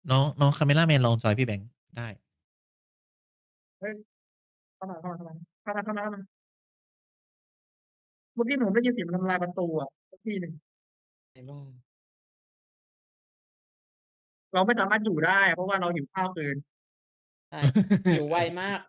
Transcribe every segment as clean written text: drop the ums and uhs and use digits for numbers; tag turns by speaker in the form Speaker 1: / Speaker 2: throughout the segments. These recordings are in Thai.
Speaker 1: น้องคาเมล่าแมนลองจอยพี่แบงค์ได้
Speaker 2: เฮ้ยเข้ามาเมื่อกี้ผมได้ยินเสียงมันทำลายประตูอ่ะสักทีหนึ่ง
Speaker 3: ไหนบอก
Speaker 2: เราไม่สามารถอยู่ได้เพราะว่าเราหิวข้าวเกิน
Speaker 3: ใช่หิวไวมาก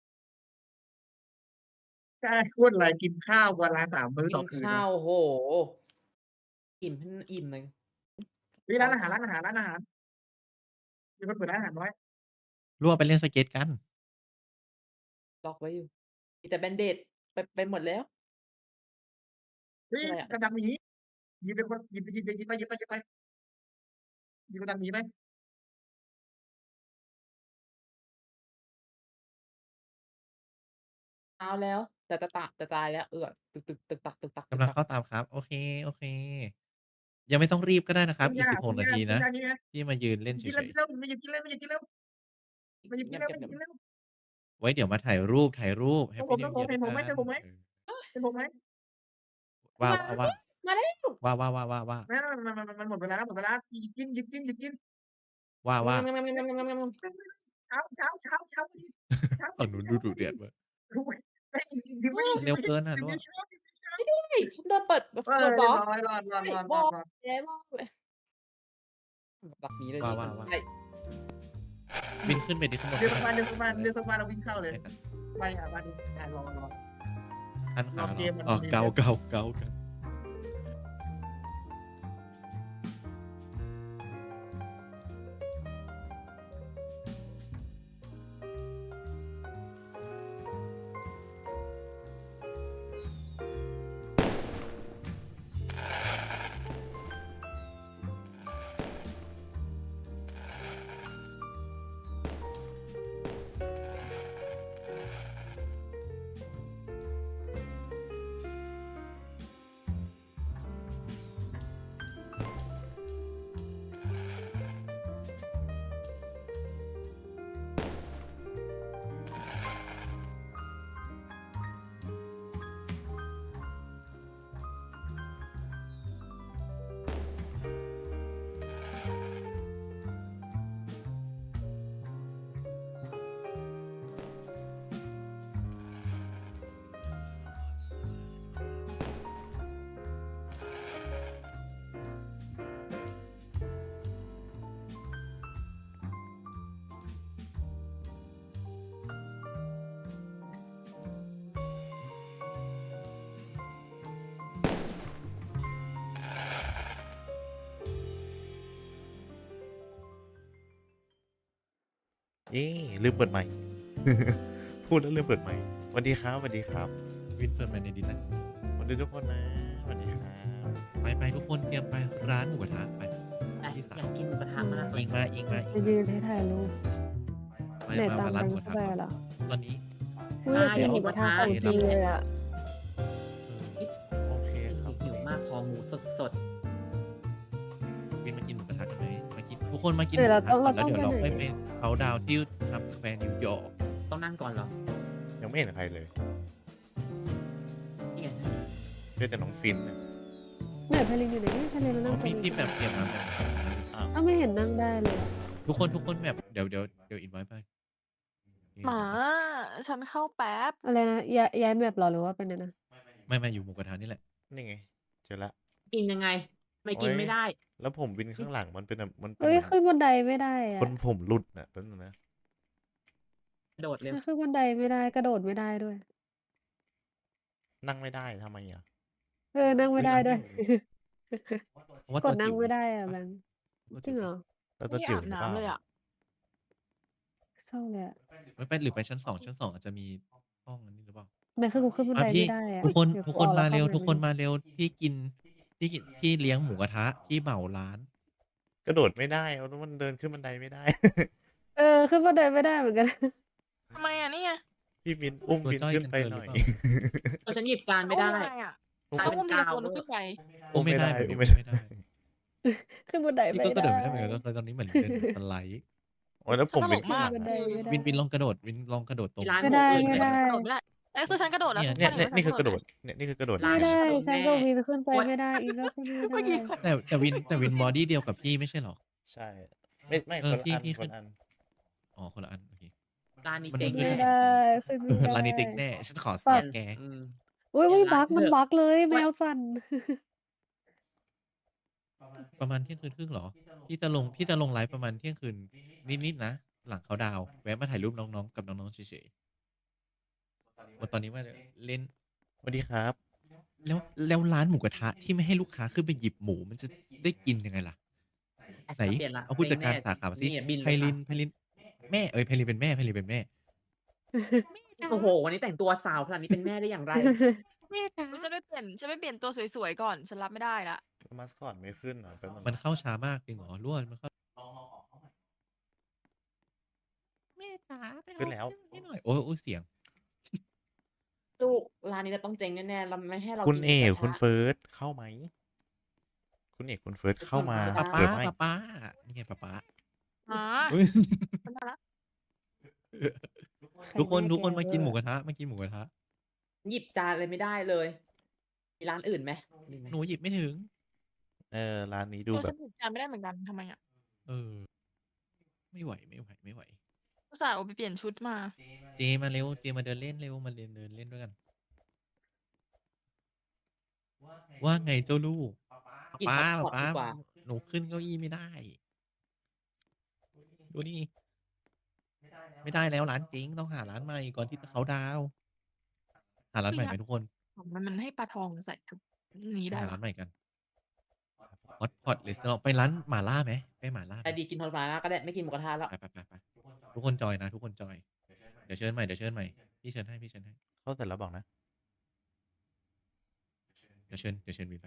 Speaker 2: ใช่พูดอะไรกินข้าววันละ3 มื้อ
Speaker 3: กิน
Speaker 2: ต่อคืนวะ
Speaker 3: ข้าวโอ้โฮอิ่มให้มันอิ่มเลย
Speaker 2: เฮ้ย
Speaker 3: ท้องแข็ง
Speaker 2: ร้านอาหารมีคนเปิดร้านอาหารไว้
Speaker 1: รั่วไปเล่นสเก็ตกัน
Speaker 3: ล็อกไว้อยู่มีแต่ Band-Aid ไปหมดแล้ว
Speaker 2: เฮ้ย
Speaker 3: คืออะไรอะ
Speaker 2: กับดักหมีหยิบไปคนหยิบไปหยิบกับดักหมีไป
Speaker 3: เช้าแล้วแต่จะตายแล้วตึกๆตึกตัก
Speaker 1: กำลังเข้าตามครับโอเคโอเคยังไม่ต้องรีบก็ได้นะครับอีก16นาทีนะ
Speaker 2: ต้มยานี่ไง
Speaker 1: พี่มายืนเล่นเฉย
Speaker 2: กินแล้วไม่หยุดกินแล้วไม่หยุดกินแล้วไม่หยุดกินแล้วไม่หยุดกินแล้ว
Speaker 1: ๆไว้เดี๋ยวมาถ่ายรูป
Speaker 2: ของผ
Speaker 1: Happy
Speaker 2: ม
Speaker 1: New
Speaker 2: ผม
Speaker 1: Year ด้วยกัน
Speaker 2: เห็นผมไหมเจอผมไหม
Speaker 1: เออ
Speaker 2: เห็นผมไหม
Speaker 1: ว่า
Speaker 3: มา
Speaker 1: ว่า
Speaker 3: มาแล้ว
Speaker 1: ว่าว่าว่าว่าว่า
Speaker 2: ไม่มันหมดเวลาแล้วหมดเวลาหยิบกิน
Speaker 1: ว่าว่า
Speaker 2: เช้าพอดีเช้าพอ
Speaker 1: ฝั่ง
Speaker 2: ดี
Speaker 1: นู้นดูดุ
Speaker 2: เช้าพอดี
Speaker 1: เดือดเว้ย
Speaker 2: รู้ไหมไม่ถึงไม่
Speaker 1: มันเร็วเกินอะ
Speaker 2: ถึง
Speaker 1: รั่ว
Speaker 2: ไม่เช้าถึงไม่เช้า
Speaker 3: ช่วยด้วยฉันโดนเปิด
Speaker 2: เออ
Speaker 3: บล็อก
Speaker 2: เรียบร้อยรอด
Speaker 3: ใช่บอก
Speaker 2: รอด
Speaker 3: แล้วบอกเลยหลักหนีเลยนี่มัน
Speaker 1: ว่า
Speaker 3: ใช่
Speaker 1: บินขึ้นไปดิข้างบน
Speaker 2: เรือ
Speaker 1: ก็ได้
Speaker 2: สักวันเรือสักวัน
Speaker 1: จะได้
Speaker 2: เรือสักวันเราวิ่งเข้าเลย
Speaker 1: ได้กัน
Speaker 2: มาดิรอ
Speaker 1: คัน
Speaker 2: รอ
Speaker 1: ขาเหรอ
Speaker 2: เกมมัน
Speaker 1: อ๋อ
Speaker 2: มี
Speaker 1: เกาเอ๊ลืมเปิดไมค์พูดแล้วลืมเปิดไมค์สวัสดีครับสวัสดีครับวินเปิดไมค์ในดิสนะสวัสดีทุกคนนะสวัสดีครับไปทุกคนเตรียมไปร้านหมูกระทะไปที่
Speaker 3: อยากกินหมูกระทะมากเล
Speaker 1: อิ
Speaker 3: ย
Speaker 1: งมา
Speaker 4: ไปยืนให้ถ่ายรูปไหนตาม
Speaker 1: ร้านห
Speaker 4: แบง
Speaker 1: มูกระทะก่อน
Speaker 4: ค์เข้าไปเหรอ
Speaker 1: ตอนนี้
Speaker 4: อุ๊ยอยากกินหมูกระทะของจริงเลยอะ
Speaker 1: โอเคครับ
Speaker 3: หิวมากคอหมูสด
Speaker 1: วินมากินหมูกระทะกันไหมมากินทุกคนมากินห
Speaker 4: เดี๋ยว
Speaker 1: มูก
Speaker 4: เรา
Speaker 1: ระทะ
Speaker 4: ต้อง
Speaker 1: ก่อนแล้วเดี๋ยวเราค่อย
Speaker 4: ไปไหน
Speaker 1: ไปเขาดาวที่ทำสแควร์นิวยอร์ก
Speaker 3: ๆต้องนั่งก่อนเหรอ
Speaker 5: ยังไม่เห็นใครเลย
Speaker 3: นี่ไง
Speaker 5: เจอแต่น้องฟินนะ
Speaker 4: ไหนทะเลอยู่ไหนทะเลมันนั่งตรง
Speaker 1: พี่
Speaker 4: นี้
Speaker 1: แบบเตรียมมาแบบ
Speaker 4: อ้าวไม่เห็นนั่งได้เลยอะ
Speaker 1: ทุกคนแบบเดี๋ยวอินไว้ไป
Speaker 6: หมาฉันเข้าแป๊บ
Speaker 4: อะไรนะย้ายแมปเหรอหรือว่าเป็นอะไรนะ
Speaker 1: ไม่อยู่หมูกระทะนี่แหละ
Speaker 5: นี่ไงเจอละ
Speaker 3: กินยังไง ไม่กินไม่ได้
Speaker 5: แล้วผมวินข้างหลังมันเป็นแบบมันเป็น
Speaker 4: เอ้ย
Speaker 5: เหมือน
Speaker 4: ขึ้นบันไดไม่ได้
Speaker 5: ค
Speaker 4: อะ
Speaker 5: นผมหลุดน่ะแป๊บนึงนะ
Speaker 3: โดดเร็ว
Speaker 4: ฉันขึ้นบันไดไม่ได้กระโดดไม่ได้ด้วย
Speaker 5: นั่งไม่ได้ทำไมอ่ะ
Speaker 4: นั่งไม่ได้ด้วย
Speaker 1: เพราะว่าก
Speaker 4: ดนั่งไม่ได้อะ
Speaker 1: ตัว
Speaker 4: แบงค์
Speaker 1: จิ๋ว
Speaker 4: จริงเหรอ
Speaker 5: แล้วตัว
Speaker 6: ไม่
Speaker 5: จิ๋ว
Speaker 6: อาบ
Speaker 5: หรือเปล่า
Speaker 6: น้ำเลยอ่ะ
Speaker 4: เศร้าเลยอะ
Speaker 1: ไม่ไปหรือไปชั้น2อาจจะมีห้องอันนี้หรือเปล่า
Speaker 4: แม่คือกูขึ้นบันได
Speaker 1: พี่
Speaker 4: ไม่ได้อะ
Speaker 1: ทุกคน
Speaker 4: เดี๋ยว
Speaker 1: ทุก
Speaker 4: กู
Speaker 1: คน
Speaker 4: ออกแล้
Speaker 1: มาเร็ว
Speaker 4: ข้
Speaker 1: ทุกคน
Speaker 4: ไได้
Speaker 1: มาเร็วพี่เลี้ยงหมูกระทะพี่เหมาร้าน
Speaker 5: กระโดดไม่ได้เพราะมันเดินขึ้นบันไดไม่ได้
Speaker 4: ขึ้นบันไดไม่ได้เหมือนกัน
Speaker 6: ทำไมอ่ะนี่ไง
Speaker 5: พี่วินอุ้ม
Speaker 1: ตัว
Speaker 5: วิน
Speaker 1: จ้อย
Speaker 5: ขึ้น
Speaker 1: กัน
Speaker 5: ไป
Speaker 1: เกิน
Speaker 5: ห
Speaker 1: หรื
Speaker 5: น่อย
Speaker 1: อเปล่า
Speaker 3: ฉันหยิบจานไม่ได้
Speaker 6: อุ้มยังไงอ่ะ
Speaker 3: ใช่
Speaker 6: ต้องอุ้มทีละคน
Speaker 3: เป็นกาว
Speaker 6: ขึ้นไป
Speaker 1: อุ้มไม่ได้
Speaker 5: อุ้ม
Speaker 1: ไม่
Speaker 5: ไม่ได้
Speaker 1: ได้
Speaker 4: ขึ้นบันได
Speaker 1: พี่
Speaker 4: ไม่
Speaker 1: ก็กระโด
Speaker 4: ได้
Speaker 1: ดไม่ได้เหมือนกันก็คือตอนนี้เหมือนเดินสไลด์
Speaker 5: โอ้ยแล้วผม
Speaker 6: ตล
Speaker 5: วิน
Speaker 6: ก
Speaker 5: ข้าง
Speaker 6: มา
Speaker 5: ห
Speaker 6: ก
Speaker 5: ลัง
Speaker 4: บันได
Speaker 5: อะ
Speaker 4: ไม่ได้
Speaker 1: วินลองกระโดดลองกระโดดตรง
Speaker 3: ที่ร้าน
Speaker 4: ไม่ได้
Speaker 3: หมูอื่น
Speaker 4: ไม่
Speaker 3: เลย
Speaker 4: ได้
Speaker 6: กระโดดไม่ได้ไอ้ยคือฉันกระโดดแล้ว
Speaker 5: เนี่ย
Speaker 6: ทุก
Speaker 5: เนี่ย
Speaker 6: คน
Speaker 5: เนี่ยนี่คือกระโดด
Speaker 6: ไหม
Speaker 5: เนี่ยนี่คือกระโดด
Speaker 4: ไม่ได้
Speaker 3: ร้าน
Speaker 4: ฉัน
Speaker 3: แน่
Speaker 4: กับวินขึ้นไป
Speaker 3: โอ๊ย
Speaker 4: ไม่ได้อีกก็ขึ้นไม่
Speaker 6: เมื่อกี้
Speaker 4: ได้
Speaker 1: แต่วินบอดี้เดียวกับพี่ไม่ใช่หรอ
Speaker 5: ใช่ไม่
Speaker 1: เอ
Speaker 5: ค
Speaker 1: อน
Speaker 5: ละ
Speaker 1: พี่
Speaker 5: อัน
Speaker 1: พี่
Speaker 5: ค
Speaker 1: ขึ้
Speaker 5: น
Speaker 1: น
Speaker 5: ละอัน
Speaker 1: อ๋อคนละอันโอเค
Speaker 3: ร้านนี้
Speaker 1: มัน
Speaker 3: เจ๊ง
Speaker 1: ขึ้น
Speaker 3: แน่
Speaker 4: ไม่ได้ขึ้นไม่ได้
Speaker 1: ร้านนี้เจ๊งแน่ฉันขอ
Speaker 4: ป
Speaker 1: เสี
Speaker 4: รั
Speaker 1: ย
Speaker 4: บ
Speaker 1: แก
Speaker 3: อืม
Speaker 4: อุ๊ย
Speaker 3: เปลี่ยนร้า
Speaker 4: บั๊
Speaker 3: น
Speaker 4: กมัน
Speaker 3: เถอะ
Speaker 4: บั๊กเลยแม
Speaker 3: ว่า
Speaker 4: วสั่น
Speaker 1: ประมาณเที่ยงคืนครึ่งเหรอพี่จะลงไลฟ์ประมาณเที่ยงคืนนิดๆนะ หลังเขาดาวน์แวะมาถ่ายรูปน้องๆกับน้องๆเฉยๆตอนนี้ว่าเล่น
Speaker 5: สวัสดีครับ
Speaker 1: แล้วร้านหมูกระทะที่ไม่ให้ลูกค้าขึ้นไปหยิบหมูมันจะได้กินยังไงล่ะ ไหน
Speaker 3: เปลี่ยนละ
Speaker 1: เอาผู้จัดการ
Speaker 3: แม่
Speaker 1: สาขามาสิ
Speaker 3: นี่บิน
Speaker 1: ไพ
Speaker 3: เลย
Speaker 1: ลิ
Speaker 3: ค่ะ
Speaker 1: นแม่ไพลินเป็นแม่ไพลินเป็นแม่
Speaker 3: โอ้โฮ วันนี้แต่งตัวสาวขนาดนี้เป็นแม่ได้อย่างไร
Speaker 1: แม่จ๋า
Speaker 6: ฉันไปเปลี่ยนตัวสวยๆก่อน ฉันรับไม่ได้แล้ว
Speaker 5: มาสคอตไม่ขึ้นเหรอแป๊บนึง
Speaker 1: มันเข้าช้ามากจริงเหรอรั่วมันเข้าแม่จ๋าไป
Speaker 5: ขึ้นแล้ว
Speaker 1: ให้หน่อยโอ้ยเสียง
Speaker 3: ลูกร้านนี้เราต้องเจ๊งแน่ๆเราไม่ให้เรา
Speaker 5: คุณ
Speaker 3: กินห
Speaker 5: เอ
Speaker 3: มู
Speaker 5: ก
Speaker 3: กระ
Speaker 5: คุณ
Speaker 3: ทะ
Speaker 5: เฟิร์สเข้าไหม คุณเอกคุณเฟิร์สเข้ามา
Speaker 3: ไปกิน
Speaker 5: เปิดไหม
Speaker 1: ป๊านี่ไงป๊า
Speaker 6: อ๋อ
Speaker 1: อุ๊ย
Speaker 6: ฉันมาแล้ว
Speaker 1: ทุกคน
Speaker 4: แม่
Speaker 1: ทุกคน
Speaker 4: แก
Speaker 1: มากินหมู
Speaker 4: เวอร์
Speaker 1: กระทะมากินหมูกระทะ
Speaker 3: หยิบจานอะไรไม่ได้เลย มีร้านอื่นไหมมีไหม
Speaker 1: หนูหยิบไม่ถึง
Speaker 5: ร้านนี้ดู
Speaker 6: ตัว
Speaker 5: แบ
Speaker 6: ฉั
Speaker 5: บ
Speaker 6: นหยิบจานไม่ได้เหมือนกันทำไมอะ
Speaker 1: ไม่ไหว
Speaker 6: อุตส่าห์เอาไปเปลี่ยนชุดมา
Speaker 1: เจมาเร็วเจมาเดินเล่นเร็วมาเดินเล่นด้วยกัน ว่าไงเจ้าลูก
Speaker 3: กิน
Speaker 1: ป๊า
Speaker 3: ฮอตพอตดีกว่า
Speaker 1: หนูขึ้นเก้าอี้ไม่ได้ ดูนี่ ไม่ได้แล้วร้านเจ๊งต้องหาร้านใหม่ก่อนที่จะเขาน์ดาวน์หาร้านใหม่ไหมทุกคน
Speaker 6: มันให้ปลาทองใส่ชุดนี้
Speaker 1: ไป
Speaker 6: ได้
Speaker 1: หา
Speaker 6: ปะ
Speaker 1: ร้านใหม่กันฮอตพอตเลสเตอรองไปร้านหม่าล่าไหมไปหม่าล่าไหม
Speaker 3: แต่ดีกินฮอตมาก็ได้ไม่กินหมูกระทะแล้ว
Speaker 1: ไปทุกคนจอยนะทุกคนจอยเดี๋ยวเชิญใหม่พี่เชิญให้
Speaker 5: เข้าเสร็จแล้วบอกนะ
Speaker 1: เดี๋ยวเชิญวินไป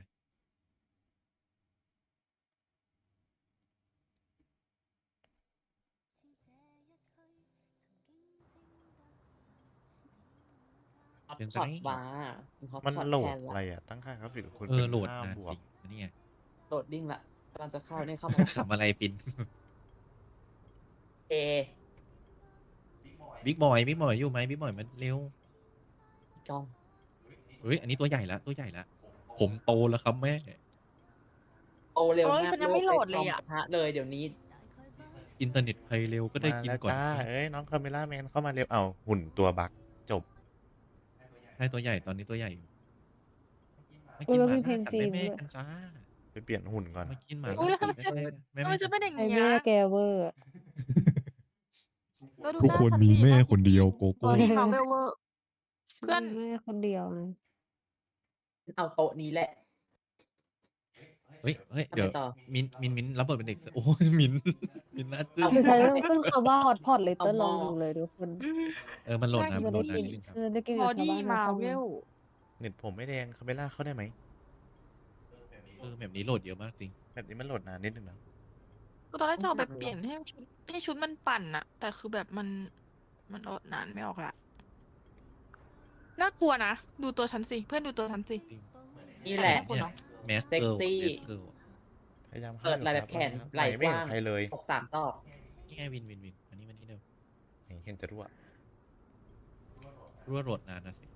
Speaker 3: ฮอต
Speaker 1: เชิญ
Speaker 3: พ
Speaker 1: ไป
Speaker 3: อต
Speaker 1: นี่
Speaker 3: บาร์ฮอต
Speaker 5: มัน
Speaker 3: พอต
Speaker 5: โหล
Speaker 3: แท
Speaker 5: ด
Speaker 3: น
Speaker 5: อะไร
Speaker 3: ละ
Speaker 5: อ่ะ ตั้งค่ากราฟิกกับคุณ
Speaker 1: โหลด
Speaker 5: 5
Speaker 1: นาน
Speaker 5: บว
Speaker 1: จ
Speaker 5: ก
Speaker 1: ริงนี่ไง
Speaker 3: โหลดดิ้งละกำลังจะเข้าเนี่ยเข้ามาแล้ว
Speaker 1: ขำอะไรปิน
Speaker 3: เอ
Speaker 1: บิ๊กบอยอยู่ไหมบิ๊กบอยมันเร็ว
Speaker 3: จอง
Speaker 1: เฮ้ยอันนี้ตัวใหญ่ละผมโตแล้วครับแม่
Speaker 3: โอเร็ว
Speaker 6: โอ๊ย
Speaker 3: มาก
Speaker 6: ฉันยังไม่โหลดเลย
Speaker 3: ไป
Speaker 6: อะ
Speaker 3: จงหมูกระทะเลยเดี๋ยวนี้
Speaker 1: อินเทอร์เน็ตใครเร็วก็ได้
Speaker 5: มา
Speaker 1: กิน
Speaker 5: แล้ว
Speaker 1: ก่อน
Speaker 5: จ้าน้องคาเมล่าแมนเข้ามาเร็ว เอาหุ่นตัวบักจบ
Speaker 1: ใช่ตัวใหญ่ตอนนี้ตัวใหญ่อยู่มา
Speaker 4: อุ๊
Speaker 1: กิ
Speaker 4: ย
Speaker 1: น
Speaker 4: แล้ว
Speaker 1: ห
Speaker 4: มี
Speaker 1: มา
Speaker 4: เพล
Speaker 1: ล่าง กับ
Speaker 4: จีน
Speaker 1: แม่
Speaker 4: ด้วย
Speaker 1: กันจ้า
Speaker 5: ไปเปลี่ยนหุ่นก่อน
Speaker 1: มากินหมา
Speaker 6: อุ๊
Speaker 1: ล่าย
Speaker 6: แล้ว
Speaker 1: กับ
Speaker 6: มันจะเป็นอย่าง
Speaker 4: ไอ้
Speaker 6: เงี้
Speaker 4: แม่
Speaker 6: ย
Speaker 4: แกเวอร์อะ
Speaker 6: แล้วดู
Speaker 1: ทุก
Speaker 6: หา
Speaker 1: คน
Speaker 6: ฉั
Speaker 1: มี
Speaker 6: ดิ
Speaker 1: แม่
Speaker 6: หา
Speaker 1: คนเดียวโก
Speaker 6: บ
Speaker 1: โก้
Speaker 6: อดี้มาร์เวลเวอร์ เพื่อน
Speaker 4: แม่คนเดียวนะ
Speaker 3: เอาโต๊ะนี้แหละ
Speaker 1: เฮ้ย
Speaker 3: ทำไม
Speaker 1: เดี๋ยว
Speaker 3: ต่อ
Speaker 1: มินรับบทเป็นเด็กเสิร์ฟโอ้ยมินน่าตื้
Speaker 3: เอา
Speaker 1: น
Speaker 4: คือใช้เรื่องขึ้นคำว่าฮอตพอตเลย
Speaker 3: เอา
Speaker 4: เต้น
Speaker 3: ห
Speaker 4: ล
Speaker 3: ม้อ
Speaker 4: องดูเลยทุกคน
Speaker 1: มันโหลดนะ
Speaker 6: น่ากิน
Speaker 1: มันโหลดนานนิดนึงครับ
Speaker 4: ได้กิน
Speaker 6: บ
Speaker 4: กั
Speaker 6: อบ
Speaker 4: ชาว
Speaker 6: ดี้
Speaker 4: บ้าน
Speaker 6: มา
Speaker 4: ชาว
Speaker 6: ร์เว
Speaker 4: ช่อง
Speaker 6: ล
Speaker 5: เน็ตผมไม่แดงคาเมล่าเข้าได้ไหม
Speaker 1: แบบนี้โหลดเยอะมากจริง
Speaker 5: แบบนี้มันโหลดนานนิดนึงนะ
Speaker 6: ตอนแรกจะเอาไปเปลี่ยนให้ชุดมันปั่นอะแต่คือแบบมันโหลดนานไม่ออกละน่ากลัวนะ ดูตัวฉันสิ เพื่อนดูตัวฉันสิ
Speaker 3: นี่แหละ
Speaker 6: น่ากลัวเนอะ
Speaker 1: แมสเกิล
Speaker 3: เซ็กซี่
Speaker 5: พยายามเข้า
Speaker 3: เปิด
Speaker 5: อยู่
Speaker 3: ไหล่
Speaker 5: ค
Speaker 3: แบ
Speaker 5: รับบ
Speaker 3: แขน
Speaker 5: ตอนนี้
Speaker 3: ไหล่
Speaker 5: ไม่
Speaker 3: ก
Speaker 5: เห็น
Speaker 3: ว้าง
Speaker 5: ใครเลย
Speaker 3: อก3 ตอก
Speaker 1: นี่ไงวินอันนี้เร็ว
Speaker 5: เห็นจะรั่ว
Speaker 1: รั่วโหลดนานนะสิ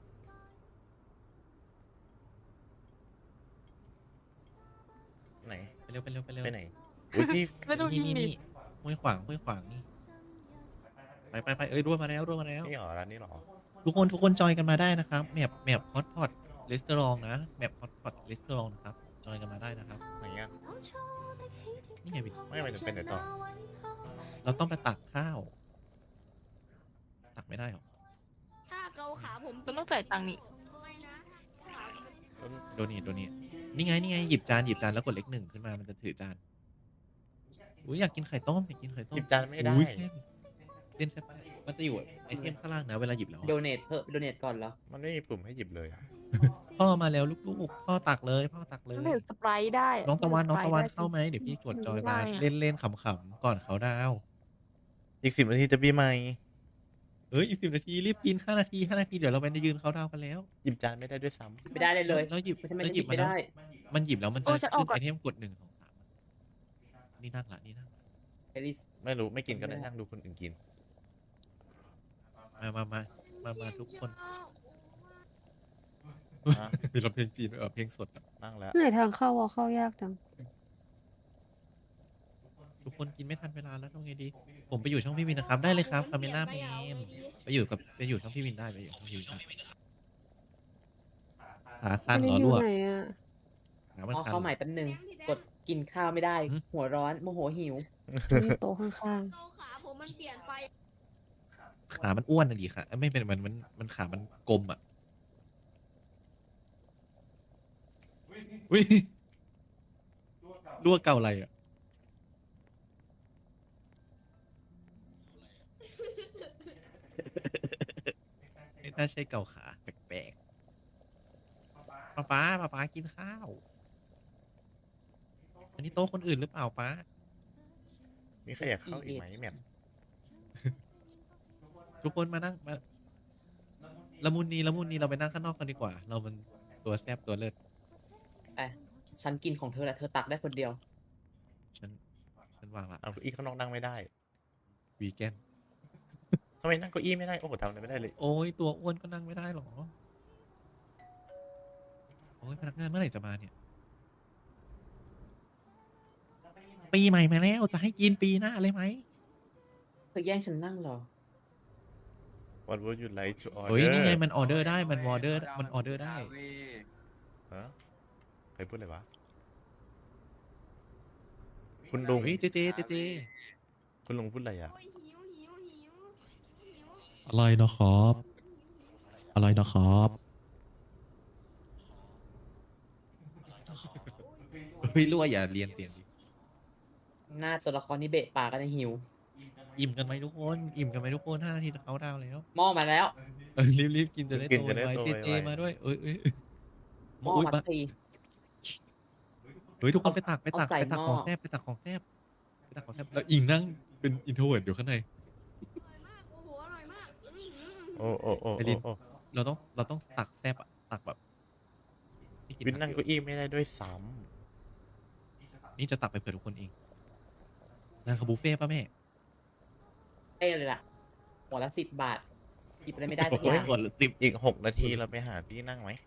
Speaker 5: ไหน
Speaker 1: ไปเร็ว
Speaker 5: ไปไหนอุ้ยพี่
Speaker 6: ไปดูยิงดิ
Speaker 1: นี่ห้วยขวางนี่ไปเอ้ยรั่วมาแล้ว
Speaker 5: นี่หรอร้านนี้หรอ
Speaker 1: ทุกคนจอยกันมาได้นะครับแมปฮอตพอตรีสตอรองนะแมปฮอตพอตรีสตอรองนะครับจอยกันมาได้นะครับ
Speaker 5: ไหนอ่ะ
Speaker 1: นี่ไงวิน
Speaker 5: ไม่ไปถึงเป็นไหนต่อ
Speaker 1: เราต้องไปตักข้าว ตักไม่ได้หรอ
Speaker 7: ถ้าเกาขาผม
Speaker 6: มันต้องจ่ายตังค์นี่
Speaker 7: ไม่นะขา
Speaker 1: โดนี่นี่ไงหยิบจานแล้วกดเลข 1ขึ้นมามันจะถือจานอุ้ยอยากกินไข่ต้ม
Speaker 5: หยิบจานไม่ได้
Speaker 1: อุ้ยเส้นใช่ปะมันจะอยู่ไอเทมข้างล่างนะเวลาหยิบแล้วอะ
Speaker 3: โดเนทเพิ่มโดเนทก่อนเหรอ
Speaker 5: มันไม่มีปุ่มให้หยิบเลยอ่ะ
Speaker 1: พ่อมาแล้วลูกๆพ่อตักเลย
Speaker 6: มันถือสไปร์ได้
Speaker 1: น้องตะวัน
Speaker 6: ถืสไปร์ได้
Speaker 1: เข้าไหมเดี๋ยวพี่กดจอยมา
Speaker 6: ได้อะ
Speaker 1: เล่นขำๆก่อนเขาดาว
Speaker 5: อีก10 นาทีจะปีใหม่
Speaker 1: เอ้ยอีก10 นาทีรีบกิน5 นาทีเดี๋ยวเราไปยืนเขาดาวกันแล้ว
Speaker 5: หยิบจานไม่ได้ด้วยซ้
Speaker 3: ไม่ได้เลย
Speaker 1: แล้วหยิบ
Speaker 3: ไม่ใช่ไม่
Speaker 1: แล้ว
Speaker 3: ได้หยิบไม่ได้
Speaker 1: มันหยิบแล้วมันจะ
Speaker 6: โอ้ฉันออก
Speaker 1: ขึ้น
Speaker 6: ก่อน
Speaker 1: ไอเทมกด1 2 3นี่นั่งละ
Speaker 3: เอลิส
Speaker 5: ำไม่รู้ไม่กินก็ได้นั่งดูคนอื่นกิน
Speaker 1: มาทุกคน
Speaker 5: อ่ะ
Speaker 1: มีเราเพลงจีนเพลงสดอะ
Speaker 5: นั่งแล้ว
Speaker 4: ไหนทางเข้าวะเข้ายากจัง
Speaker 1: ทุกคนกินไม่ทันเวลาแล้วทำไงดี ผมไปอยู่ช่องพี่วินนะครับ ได้เลยครับคาเมล่าแมนไปอยู่ช่องพี่วินได้ไปอยู่ช่องพี่วินได้ขาสั้
Speaker 4: อั
Speaker 1: น
Speaker 4: นนี้
Speaker 1: ล้อ
Speaker 4: อยู่
Speaker 1: รั่ว
Speaker 4: ไหนอ่ะ
Speaker 1: ขามัน
Speaker 3: เอา
Speaker 1: คัน
Speaker 3: เข้าใหม่แป๊บนึง กดกินข้าวไม่ได้
Speaker 1: หืม
Speaker 3: หัวร้อนโมโหหิว
Speaker 4: ฉันอยู่โต๊ะข้าง
Speaker 7: เกาขาผมมันเปลี่ยนไป
Speaker 1: ขามันอ้วนอะดิค่ะไม่เป็นมันขามันกลมอ่ะอุ้ยรั่วเก่าอะไรอ่ะไม่น่าใช่เก่าขาแปลกๆป๊ากินข้าว อันนี้โต๊ะคนอื่นหรือเปล่าป๊า
Speaker 5: มีใครอยากเข้าอีกไหมแมท
Speaker 1: ทุกคนมานั่งมาละมุนนีเราไปนั่งข้างนอกกันดีกว่า เรามันตัวแซบตัวเลิศ
Speaker 3: ไปฉันกินของเธอแหละเธอตักได้คนเดียว
Speaker 1: ฉันวางละ
Speaker 5: เอาอีกข้างนอกนั่งไม่ได้
Speaker 1: วีแกน
Speaker 5: ทำไมนั่งเก้าอี้ไม่ได้โอ้โหทำอะไรไม่ได้เลย
Speaker 1: โอ้ยตัวอ้วนก็นั่งไม่ได้หรอโอ้ยพนักงานเมื่อไหร่จะมาเนี่ยปีใหม่มาแล้วจะให้กินปีหน้าเลยไหม
Speaker 3: เธอแย่งฉันนั่งเหรอ
Speaker 5: What would you like to order
Speaker 1: เฮ้ยนี่ไงมันออเดอร์ได้มันออเดอร์ได้
Speaker 5: ฮะใครพูดเลยวะ คุณลุง
Speaker 1: เฮ้ยเจ
Speaker 5: คุณลุงพูดอะไรอ่ะ
Speaker 7: โอ้ยหิว
Speaker 1: อะไรนะครับอะไรนะครับเฮ้ยรั่วอย่าเรียนเสียงดิ
Speaker 3: หน้าตัวละครนี่เบะปากกันหิว
Speaker 1: อิ่มกันไหมทุกคน5 นาทีจะเขาดาวน์แล้ว
Speaker 3: หม้อมาแล้ว
Speaker 1: รีบกินจะได้
Speaker 5: กิ
Speaker 1: โต
Speaker 5: นจะได้
Speaker 1: ไว
Speaker 5: โต
Speaker 1: เจ
Speaker 5: ไวๆ
Speaker 1: มาด้วยเอ้ย
Speaker 3: หม้อ
Speaker 1: อุ๊ย
Speaker 3: มา
Speaker 1: มา
Speaker 3: ที
Speaker 1: เฮ้ยทุกคนไปตัก
Speaker 3: เอาใส่
Speaker 1: ของ
Speaker 3: หม้อ
Speaker 1: แซบแล้วอิงนั่งเป็นอินโทรเวิร์ดอยู่ข้างใน
Speaker 7: อร่อยมากโอ้โหอร่อยมาก
Speaker 5: โอ้โอ้โอ้
Speaker 1: ไอริน
Speaker 5: โอ้
Speaker 1: เราต้องตักแซบอะตักแบบที่กิ
Speaker 5: วินนั่ง
Speaker 1: ผั
Speaker 5: เก้าอี้ไม่ได้ด้วยซ้
Speaker 1: นี่จะตักไปเผื่อทุกคนเองงานคาบุฟเฟ่ต์ป่ะแม่
Speaker 3: เอ้เลยล่ะ หัวละ10 บาท หยิบอะไรไม่ได้
Speaker 5: ำ
Speaker 3: สักอ
Speaker 5: โอ้ย
Speaker 3: ย่าง
Speaker 5: กดอีก6 นาทีเราไปหาที่นั่งไหม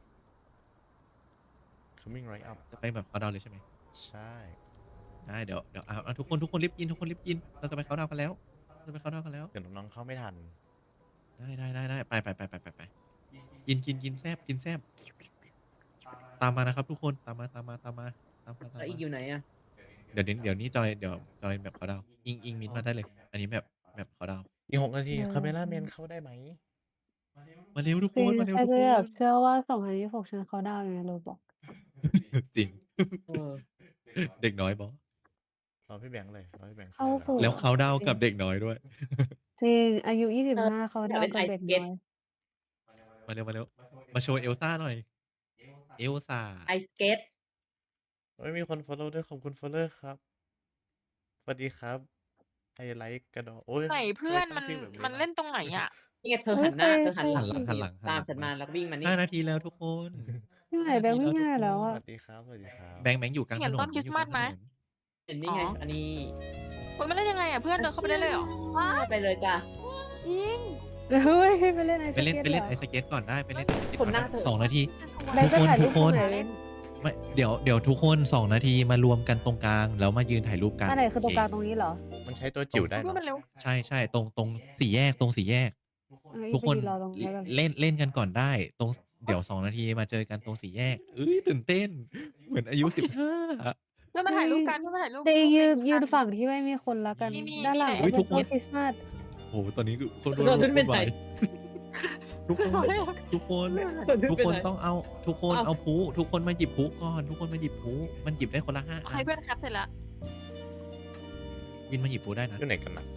Speaker 5: coming right up
Speaker 1: จะไปแบบเขาดาวน์เลยใช่ไหม
Speaker 5: ใช่
Speaker 1: ได้เดี๋ยวเอาทุกคนรีบกินเราจะไปเขาดาวน์กันแล้วเดี๋ยว
Speaker 5: น้องๆเข้าไม่ทัน
Speaker 1: ได้ไปกินแซบตามมานะครับทุกคนตามมา
Speaker 3: แล้วอีกอยู่ไหนอ่ะ
Speaker 1: เดี๋ยวนี้จอยแบบเขาดาวน์อิงมินมาได้เลย อันนี้แบบเขาดาวน์
Speaker 5: อีก6 นาทีคาเมล่าแมนเข้าได้ไหม
Speaker 1: มาเร็วทุก
Speaker 4: ๆ
Speaker 1: คน
Speaker 4: ใครจะอยากเชื่อว่า2026ฉันเขาดาวน์อยู่ในโรบอก
Speaker 1: จริง
Speaker 3: เออ
Speaker 1: เด็กน้อยบอ
Speaker 5: รอพี่แบงค์เลยรอพี่แบงค์
Speaker 4: เข้าสู่
Speaker 1: แล้วเขาดาวน์กับเด็กน้อยด้วย
Speaker 4: จริงอายุ25เขาดาวน์กับเด็กน้อย
Speaker 1: มาเร็วมาโชว์เอลซ่าหน่อย เอลซ่า
Speaker 3: ไอสเก็ต
Speaker 5: เฮ้ยมีคน follow ด้วยขอบคุณ follow ครับสวัสดีครับไอไลค์กระดอโอ้ย
Speaker 6: ไหนเพื่อน
Speaker 5: ทำไ
Speaker 6: มัน
Speaker 5: ชื่แบบ
Speaker 6: มันเล่นตรงไหนอ่ะ
Speaker 3: นี่ไงเธอหันหน้า
Speaker 4: เฮ้ย
Speaker 3: เธอหันหลัง
Speaker 1: หันหลัง
Speaker 3: ตามฉันมาแล้วก็วิ่งมานี่
Speaker 1: 5 นาทีแล้วทุกคน
Speaker 4: ที่ไหนแบงค์ไม่ง่ายแล้ว
Speaker 5: ส
Speaker 4: อ่ะ
Speaker 5: วัสดีครับสวัสดีครับ
Speaker 1: แบงค์อยู่กลางถ
Speaker 6: เห็น
Speaker 1: นน
Speaker 6: ต้นคริสต์มาสไหม
Speaker 3: เห็นนี่ไง
Speaker 6: อ๋ออั
Speaker 3: อันนี้
Speaker 6: โอ้ยมันเล่นยังไงอ่ะเพื่อนเดินเข้าไปได้เลยเหรอ
Speaker 3: ไปเลยจ้ะ
Speaker 6: ยิง
Speaker 4: เฮ้ยไปเล่นไอ
Speaker 1: ไปเล่น
Speaker 4: สเก็ต
Speaker 1: ไอสเก็ตก่อนได้ไปเล่นไอสเก็ต
Speaker 3: คนหน้าเธอ
Speaker 1: 2 นาที
Speaker 4: แบงค์จะถ่ายรูป
Speaker 1: ทุกคน
Speaker 4: ตรงไหนเล่น
Speaker 1: ไม่เดี๋ยวทุกคน2 นาทีมารวมกันตรงกลางแล้วมายืนถ่ายรูปกัน
Speaker 4: อันไหนคือตรงกลางตรงนี้เหรอ
Speaker 5: มันใช้ตัวจิ๋วได้
Speaker 6: พูด
Speaker 5: เนาะ
Speaker 6: มันเร็ว
Speaker 1: ใช่ตรงสี่แยกทุกคน
Speaker 4: รอตรงนี้แล้วกัน
Speaker 1: เล่นกันก่อนได้ตรงเดี๋ยว2 นาทีมาเจอกันตรงสี่แยกตื่นเต้น เหมือนอายุ 15
Speaker 6: เพื่อนมาถ่ายรูปกันเพื่อนมาถ่ายรูป
Speaker 4: แต่อีกยืน
Speaker 6: กัน
Speaker 4: ฝั่งที่ไม่มีคนละกัน
Speaker 6: นี่
Speaker 4: ด้านหลัง
Speaker 6: นี่
Speaker 4: ก็
Speaker 1: ทุ
Speaker 4: เป็น
Speaker 1: กคน
Speaker 4: ต้นคริสต์มาส
Speaker 1: โอ้โหตอนนี้คน
Speaker 3: โดนขึ้นเป็นไหน
Speaker 1: ทุกคนต้องเอาทุกคน
Speaker 3: เอา
Speaker 1: เอาผู้ทุกคนมาหยิบผู้ก่อนทุกคนมาหยิบผู้มันหยิบได้คนละ5 อั
Speaker 6: ให้
Speaker 1: น
Speaker 6: เพื่อนแคปเสร็จแล้ว
Speaker 1: วินมาหยิบผู้ได้นะ
Speaker 5: อยู่ไหนกันนะ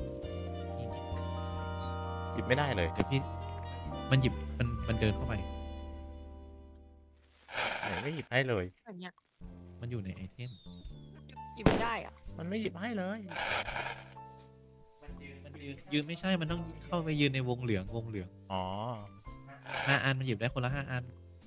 Speaker 5: หยิบไม่ได้เลย
Speaker 1: เดี๋ยวพี่มันหยิบมันเดินเข้าไป
Speaker 5: ไหนไม่หยิบให้เลย
Speaker 6: แบบเนี้ย
Speaker 1: มันอยู่ในไอเทม
Speaker 6: หยิบไม่ได้อ่ะ
Speaker 5: มันไม่หยิบให้เลย
Speaker 1: มันยืนไม่ใช่มันต้องเข้าไปยืนในวงเหลือง
Speaker 5: อ๋อ
Speaker 1: 5 อันมันหยิบได้คนละ 5 อัน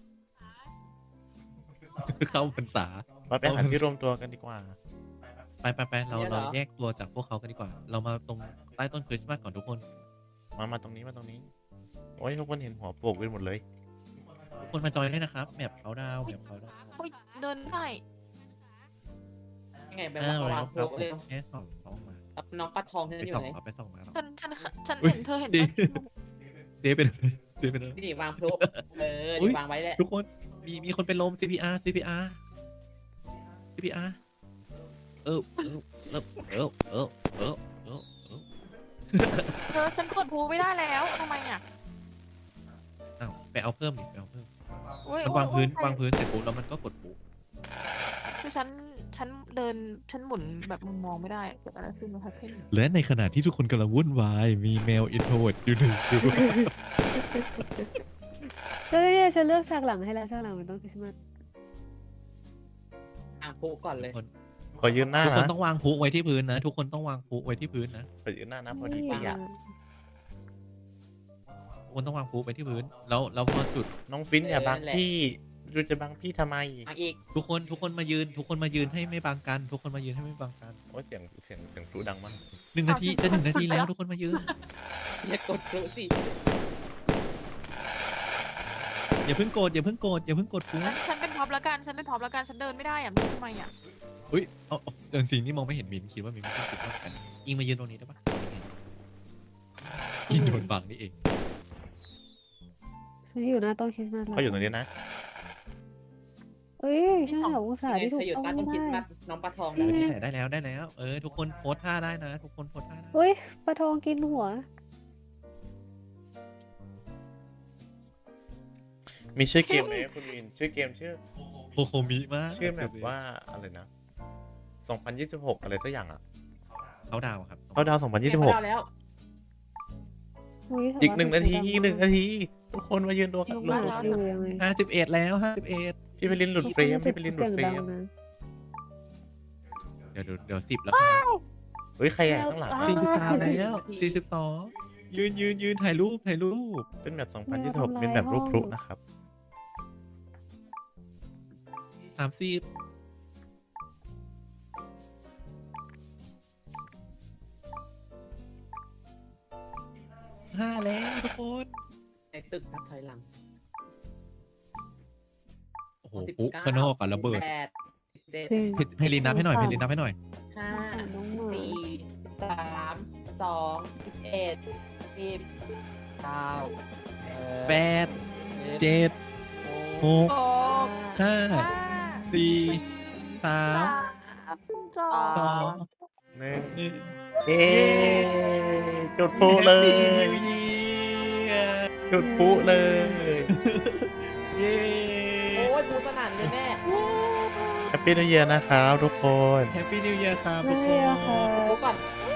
Speaker 1: เข้าพรรษา
Speaker 5: ไปหาที่รวมตัวกันดีกว่า
Speaker 1: ไปเราแยกตัวจากพวกเขากันดีกว่า เรามาตรงใต้ต้นคริสต์มาสก่อนทุกคน
Speaker 5: มาตรงนี้โอ้ยทุกคนเห็นหัวโปกไปหมดเลย
Speaker 1: ทุกคนมาจอยได้นะครับแมปเขาดาว
Speaker 6: โอ้ยเดินได้
Speaker 3: ยังไงแบบ
Speaker 8: อ้าว
Speaker 3: วาง
Speaker 8: เรา
Speaker 3: โพลเร็ว
Speaker 8: แค่สองท้องมา
Speaker 3: รับน้องปลาทองที่
Speaker 8: ไป
Speaker 3: นั่นอ
Speaker 8: ส่อง
Speaker 3: ยู่ไหน
Speaker 8: เอาไปส่องมาแล้ว
Speaker 6: ฉัน
Speaker 8: อุ๊ย
Speaker 6: เห็นเธอเห็น
Speaker 8: ดี
Speaker 6: ปะ
Speaker 8: เดเป็นเดเป็น
Speaker 3: นี่วางโพล
Speaker 8: อุ๊ยว
Speaker 3: นี่างไว้แหละ
Speaker 8: ทุกคนมีคนเป็นลม CPR CPR CPR เออเออเออเออเออเออเออ
Speaker 6: เธอฉันกดพูไม่ได้แล้วทำไมอ่ะ
Speaker 8: อ้าวไปเอาเพิ่มดิไปเอาเพิ่ม
Speaker 6: โอ้ย
Speaker 8: มัน
Speaker 6: โอ้ยว
Speaker 8: างพื้น
Speaker 6: โอ้ยว
Speaker 8: างพื้นเสร็จปุ๊บแล้วมันก็กดปุ๊บ
Speaker 6: คือฉันเดินฉันหมุนแบบมุมมองไม่ได้เกิดอะไรขึ้นมาทักเพ่น
Speaker 8: และในขณะที่ทุกคนกำลังวุ่นวายมีแมวอินโทรเวิร์ดอยู่หนึ่งตัว
Speaker 4: แล้วเนี่ยฉันเลือกฉากหลังให้แล้วฉากหลังมันต้องคริสต์มาส
Speaker 3: วางโพลก่อนเลย
Speaker 5: ขอยืนหน้า
Speaker 8: ทุกคน
Speaker 5: นะ
Speaker 8: ต้องวางพลุไว้ที่พื้นนะ ทุกคนต้องวางพลุไว้ที่พื้นนะ
Speaker 5: ขอยืนหน้านะพอดี
Speaker 4: นี่
Speaker 5: พี่อะ
Speaker 8: ทุกคนต้องวางพลุไว้ที่พื้นแล้วพอจุด
Speaker 5: น้องฟินอย่าบัง
Speaker 3: นั่นแหละ
Speaker 5: พี่ดูจะบังพี่ทำไม
Speaker 3: มาอีก
Speaker 8: ทุกคนมายืนให้ไม่บังกัน ทุกคนมายืนให้ไม่บังกัน
Speaker 5: โอ้ยเสียงพลุดังมาก
Speaker 8: 1 นาทีจะ1 นาทีแล้วทุกคนมายืน
Speaker 3: อย่ากดโพลสิ
Speaker 8: อย่าเพิ่งโกรธอย่าเพิ่งโกรธอย่าเพิ่งกดพลุ
Speaker 6: ฉันเป็นท็อปละกันฉันเป็นท็อปละกันฉันเดินไม่ได้อ่ะไม่รู้ทำไมอ่ะ
Speaker 8: อุ้ยเอาจริงๆนี่มองไม่เห็นมินคิดว่ามินไม่ต้องติดต่อกันอิงมายืนตรงนี้ได้ปะอิงโดนบังนี่เอง
Speaker 4: ฉันอยู่หน้าต้นคริสต์มาสแล้ว
Speaker 5: เขาอยู่ตรงนี้นะ
Speaker 4: เอ้ยฉันหาองศาที่ถูก
Speaker 3: เธออยู่
Speaker 4: ต้อง
Speaker 3: ใต้ต้นคริสต์
Speaker 4: ได้
Speaker 3: มาสน้องปลาทอง
Speaker 4: นี่
Speaker 3: นะ
Speaker 4: ไง
Speaker 8: ได้แล้วทุกคนโพสท่าได้นะ ทุกคนโพสท่าได้
Speaker 4: เฮ้ยปลาทองกินหัว
Speaker 5: มีชื่อเกมไหมคุณวินชื่อเกมชื่อ
Speaker 8: โคโคมิมาก
Speaker 5: ชื่อแบบว่าอะไรนะ 2026 อะไรสักอย่างอ่ะ
Speaker 8: เขาดาวครับ
Speaker 5: เขาดาว
Speaker 3: เนี่ยเขาดาว
Speaker 5: 2026
Speaker 3: แล้ว
Speaker 4: อุ๊ย
Speaker 5: อีก
Speaker 4: สำ
Speaker 5: หนึ่ง
Speaker 4: รับ
Speaker 5: นาที
Speaker 4: เป็
Speaker 5: อีกหนึ่งนาที ทุกคนมายืนดู
Speaker 4: สี
Speaker 5: กัน
Speaker 4: ดำมากอยู่ยังไง
Speaker 8: 51แล้ว51
Speaker 5: พี่ไปลินหลุดเฟรมพี่ไปลินหลุดเฟร
Speaker 4: สีย
Speaker 5: ม
Speaker 4: งดังนะ
Speaker 8: เดี๋ยว10 แล้ว
Speaker 5: เฮ้ยใครอ่ะข้างหลัง
Speaker 4: อ้าว
Speaker 8: 43แล้ว42ยืนถ่ายรูป
Speaker 5: เป็นแบบ2026เป็นแบบรูปพลุนะครับ
Speaker 8: 30 5แล้วทุกคน
Speaker 3: ในตึกนับถอยหลัง
Speaker 8: โอ้โหปุ๊ข้างนอกก่อนระเบิด
Speaker 3: 8 17
Speaker 4: จริง
Speaker 8: ให้ลินนับให้หน่อย
Speaker 3: 5
Speaker 4: น้องหมา
Speaker 3: 4 3 2 1 10 9
Speaker 8: 8 7 6
Speaker 6: โอ้
Speaker 8: 5 4 3
Speaker 6: สอง
Speaker 8: 2
Speaker 5: หนึ่ง
Speaker 8: 1
Speaker 5: เอ๊จุดพลุเลย จุดพลุเลย
Speaker 8: เย้
Speaker 3: โอ้ยปูสนั่นเลยแม่
Speaker 5: แฮปปี้นิวเยียร์นะครับทุกคน
Speaker 8: แฮปปี้นิวเยียร์ครับทุกค
Speaker 4: นี่อะค่ะ
Speaker 8: น
Speaker 3: โอ้ก่อน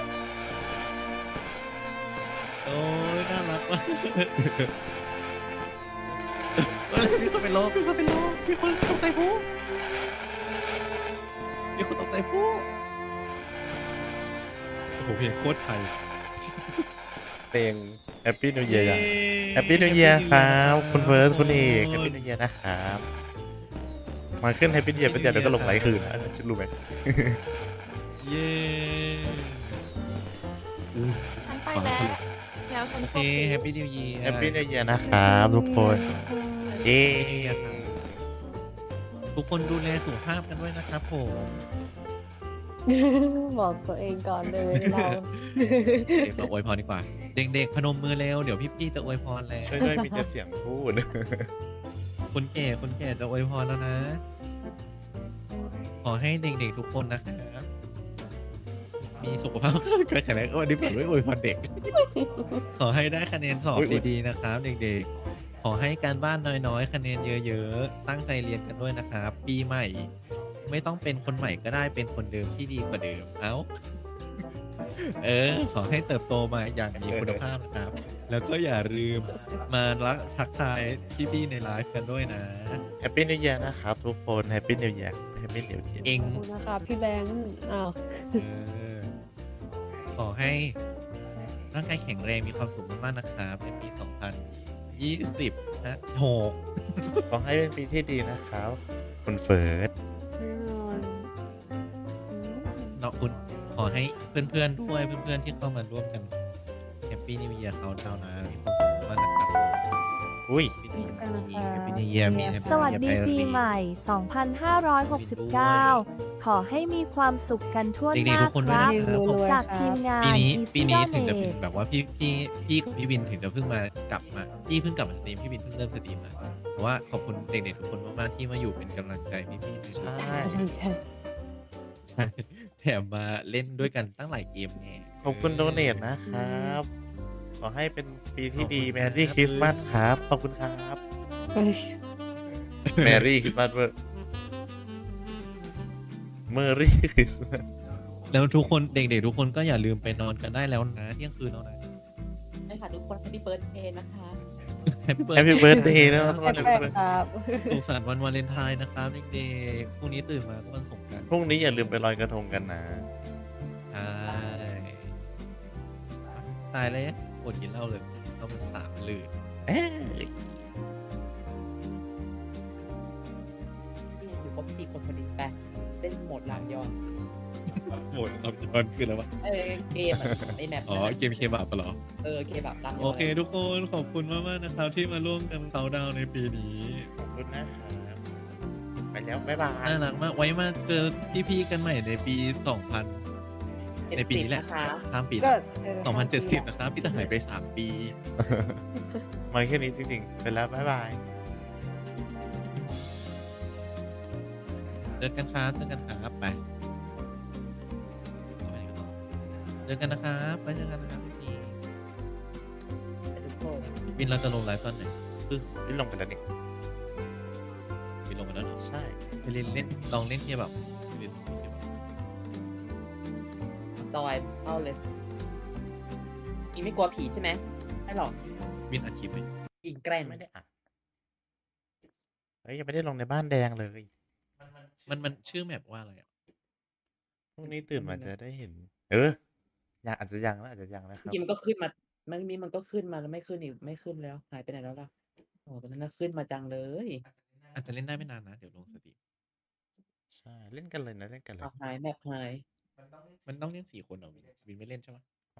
Speaker 8: โอ้ยน่ารักมากเฮ้ยมีคนเป็นลมมีคนตกใจผู้มีคนตกใจผู้โอ้โหเพลงโคตรไทย
Speaker 5: เพลงแฮปปี้นิวเยียร์แฮปปี้นิวเยียร์ครับคุณเฟิร์สคุณเอกแฮปปี้นิวเยียร์นะครับมาขึ้นแฮปปี้นิวเยียร์เป็นเดียวเดี๋ยวก็ลงไลค์คืนนะฉันรู้ไหม
Speaker 8: เย้อู้
Speaker 6: ฉันไปแล้วแล้วฉัน
Speaker 8: โอเคแฮปปี้นิวเยียร์
Speaker 5: แฮปปี้นิวเยียร์นะครับทุกคนเย้
Speaker 8: ทุกคนดูแลสุขภาพกันด้วยนะครับผม
Speaker 4: บอกตัวเองก่อนเลยเรา
Speaker 8: เราอวยพรดีกว่า เด็กๆพนมมือเร็วเดี๋ยวพี่ๆจะอวยพรแล้ว
Speaker 5: ช่วยด้วยมีแต่เสียงพูด
Speaker 8: คนแก่จะอวยพรแล้วนะ ขอให้เด็กๆทุกคนนะครับมีสุขภาพแข็งแรงวันนี้ผมไม่อวยพรเด็ก ขอให้ได้คะแนนสอบดีๆนะครับ เด็กๆ ขอให้การบ้านน้อยๆ คะแนนเยอะๆ ตั้งใจเรียนกันด้วยนะครับ ปีใหม่ ไม่ต้องเป็นคนใหม่ก็ได้เป็นคนเดิมที่ดีกว่าเดิม เอ้า ขอให้เติบโตมาอย่างมีคุณภาพนะครับ แล้วก็อย่าลืมมารักทักทายพี่ๆในไลฟ์กันด้วยนะ
Speaker 5: แฮปปี้นิวเยียร์นะครับทุกคนแฮปปี้นิวเยียร์แฮปปี้นิวเยียร์
Speaker 8: เอง
Speaker 4: ขอบคุณนะคะพี่แบงค์อ้าว
Speaker 8: ขอให้ร่างกายแข็งแรงมีความสุขมากๆนะครับในปี 2020 นะโห
Speaker 5: ขอให้เป็นปีที่ดีนะครับคุณเฟิร์ส
Speaker 4: แน่นอน
Speaker 8: เนาะคุณขอให้เพื่อนๆด้วยเพื่อนๆที่เข้ามาร่วมกันแฮปปี้นิวเยียร์เขาดาวน์นะมีความสุขมากๆนะครับ
Speaker 5: อุ้ย
Speaker 8: Happy New Year มี Happy
Speaker 4: สวัส
Speaker 8: New
Speaker 4: ดี
Speaker 8: Year
Speaker 4: ปีใหม่ 2569 ขอให้มีความสุขกันทั่วห
Speaker 8: เด็ก
Speaker 4: น้า
Speaker 8: ๆทุกคน
Speaker 4: ค
Speaker 8: ด้วย
Speaker 4: รับ
Speaker 8: นะครับผม
Speaker 4: จากทีมงาน
Speaker 8: ปีนี้
Speaker 4: Easy
Speaker 8: ถึงจะเป็น
Speaker 4: Donate
Speaker 8: แบบว่าพี่กับพี่วินถึงจะเพิ่งมากลับมาพี่เพิ่งกลับมาสตรีมพี่วินเพิ่งเริ่มสตรีมมาแต่ว่าขอบคุณเด็กๆทุกคนมากๆที่มาอยู่เป็นกำลังใจพี่ๆด้วย
Speaker 5: ใช่
Speaker 8: ใช่แถมมาเล่นด้วยกันตั้งหลายเกมแน่
Speaker 5: ขอบคุณโดเนทนะครับ ขอให้เป็นปีที่ดีแมรี่คริสต์มาสครับ ขอบคุณครับแมรี่คริสต์มาสเวอร์เมอรี่คริสต์มาส
Speaker 8: แล้วทุกคนเด็กๆทุกคนก็อย่าลืมไปนอนกันได้แล้วนะเที่ยงคืนแล้วนะ
Speaker 3: ใช่ค่ะทุกคนแฮปปี้เบิร์ดเดย์นะคะ
Speaker 8: Happy
Speaker 5: แฮปปี้เบิร์ดเดย์นะ
Speaker 4: แปลกๆครับ
Speaker 8: สุขสันต์วันวาเลนไทน์นะครับเด็กๆพรุ่งนี้ตื่นมาก็วันสงกรานต์
Speaker 5: พรุ่งนี้อย่าลืมไปลอยกระทงกันนะ
Speaker 8: ใช่ตายเลยอดกินเหล้าเลยต้องเป็น3 ลื่น
Speaker 5: เอ้ย
Speaker 3: นี่อยู่ครบ4 คนพอดีไปเล่นโหมดลามยอน
Speaker 8: หมดอับย้อนคืออะไรวะ
Speaker 3: เกมอะไอแมป
Speaker 8: อ๋อเกมเคบับปะเหรอ
Speaker 3: เคแบบลามยอน
Speaker 8: โอเคทุกคนขอบคุณมากๆนะครับที่มาร่วมกันเขาน์ดาวน์ในปีนี้
Speaker 5: ขอบคุณนะครับ ไปแล้ว บ๊ายบาย
Speaker 8: น่ารักมากไว้มาเจอพี่ๆกันใหม่ในปี 2000 ในปีนี้แหละ
Speaker 3: นะคะ
Speaker 8: ข้ามปี
Speaker 4: ก็
Speaker 8: 2070 นะครับพี่จะหายไป 3 ปี
Speaker 5: มาแค่นี้จริงๆ ไปแล้ว บ๊ายบาย
Speaker 8: เจอกันครับเจอกันครับไปเจอกันนะครับไปเจอกันนะครับพี่
Speaker 3: ทุกคน
Speaker 8: วินเราจะลงไลฟ์ตอนไหน
Speaker 5: พี่ลงไปแล้วนี่
Speaker 8: วินลงไปแล้วเหรอ
Speaker 5: ใช่
Speaker 8: ไปเล่นลองเล่นเคบับเล่นเคบับ
Speaker 3: จอยเข้าเลยอิงไม่กลัวผีใช่ไหมไม่หรอก
Speaker 8: วินอัดคลิปไหม
Speaker 3: อิงแกล้ง
Speaker 5: ไม่ได้อัดเฮ้ย ยังไม่ได้ลงในบ้านแดงเลย
Speaker 8: มันชื่อแมปว่าอะไรอ่ะ
Speaker 5: พรุ่งนี้ตื่นมาจะได้เห็น ยังอาจจะยังนะอาจจะยังนะค
Speaker 3: เมื่
Speaker 5: รั
Speaker 3: อบ กี้มันก็ขึ้นมาเมื่อกี้มันก็ขึ้นมาแล้วไม่ขึ้นอีกไม่ขึ้นแล้วหายไปไหนแล้วล่ะโอ้ตอนนั้นน่ะขึ้นมาจังเลย
Speaker 8: อาจจะเล่นได้ไม่นานนะ เดี๋ยวลงสตรีม
Speaker 5: ใช่ เล่นกันเลยนะ เล่นกันเลย
Speaker 3: เอาหายแมปหาย
Speaker 8: มันต้องเล่น4 คนเหรอวินไม่เล่นใช่ไหม
Speaker 5: ไม่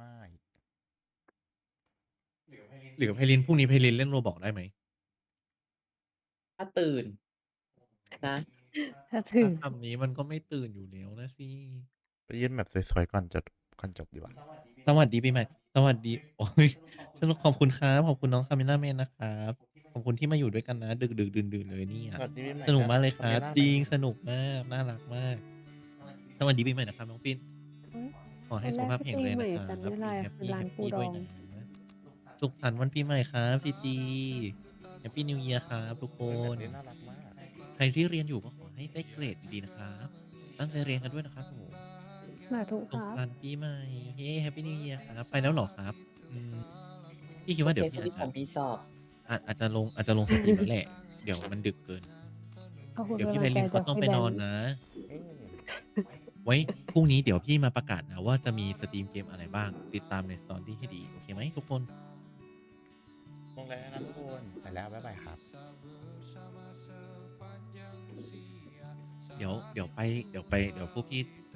Speaker 8: หรือไพลินพรุ่งนี้ไพลินเล่นโรบอกได้ไหม
Speaker 3: ถ้าตื่นนะ
Speaker 4: ถ้าถึง
Speaker 8: ถ้าคำนี้มันก็ไม่ตื่นอยู่แล้วนะสิ
Speaker 5: ไปยื่นแบบสวยๆก่อนจบดีกว่า
Speaker 8: สวัสดีปีใหม่ สวัสดี โอ้ยสนุกขอบคุณครับ ขอบคุณน้องคาเมล่าแมนนะครับ ขอบคุณที่มาอยู่ด้วยกันนะ ดึกดื่นเลยเนี่ย
Speaker 5: สวัสดีปีใหม่
Speaker 8: สนุกมากเลยค
Speaker 5: ครั
Speaker 8: รั
Speaker 5: บบ
Speaker 8: จริงสนุกมาก น่ารักมาก สวัสดีปีใหม่นะครับน้องปิน ขอให้สุขภาพแข็งแรงนะครับ
Speaker 4: วันแรก
Speaker 8: แฮ
Speaker 4: ที่
Speaker 8: ป
Speaker 4: ปี
Speaker 8: ปี้
Speaker 4: ใหม่
Speaker 8: แฮป
Speaker 4: ฉันไม่ไลน์คือร้านปู
Speaker 8: ปี้ด้วย
Speaker 4: ดอง
Speaker 8: นะ สุขสันต์วันปีใหม่ครับซีจีแฮปปี้นิวเยียร์ครับทุกค
Speaker 5: แบบ
Speaker 8: น
Speaker 5: นี้น่ารักมาก
Speaker 8: ใครที่เรียนอยู่ก็ขอให้ได้เกรดดีๆนะครับ ตั้งใจเรียนกันด้วยนะครับผม
Speaker 4: สาธุค
Speaker 8: สุข
Speaker 4: รับ
Speaker 8: สันต์ปีใหม่ เฮ้แฮปปี้นิวเยียร์ครับ ไปแล้วเหรอครับพี่คิดว่าเดี๋ยวพี่
Speaker 3: ที่ผมมีสอบ
Speaker 8: อาจจะลงสตรีมแล้วแหละ เดี๋ยวมันดึกเกิน
Speaker 4: ขอบคุณ
Speaker 8: เดี๋ยวพี่
Speaker 4: กำ
Speaker 8: ไพ
Speaker 4: ลังใจ
Speaker 8: ลินเขา
Speaker 4: จาก
Speaker 8: ต้อง
Speaker 4: พี่
Speaker 8: ไป
Speaker 4: แบ
Speaker 8: น
Speaker 4: ง
Speaker 8: อน
Speaker 4: ค์
Speaker 8: นะ
Speaker 5: เอ๊ะ
Speaker 8: ไว้พรุ่งนี้เดี๋ยวพี่มาประกาศนะว่าจะมีสตรีมเกมอะไรบ้าง ติดตามในสตอรี่ให้ดี โอเคไหมทุกคน
Speaker 5: ลงแล้วนะทุกคน ไปแล้ว บ๊ายบายครับ
Speaker 8: เดี๋ยวพวกพี่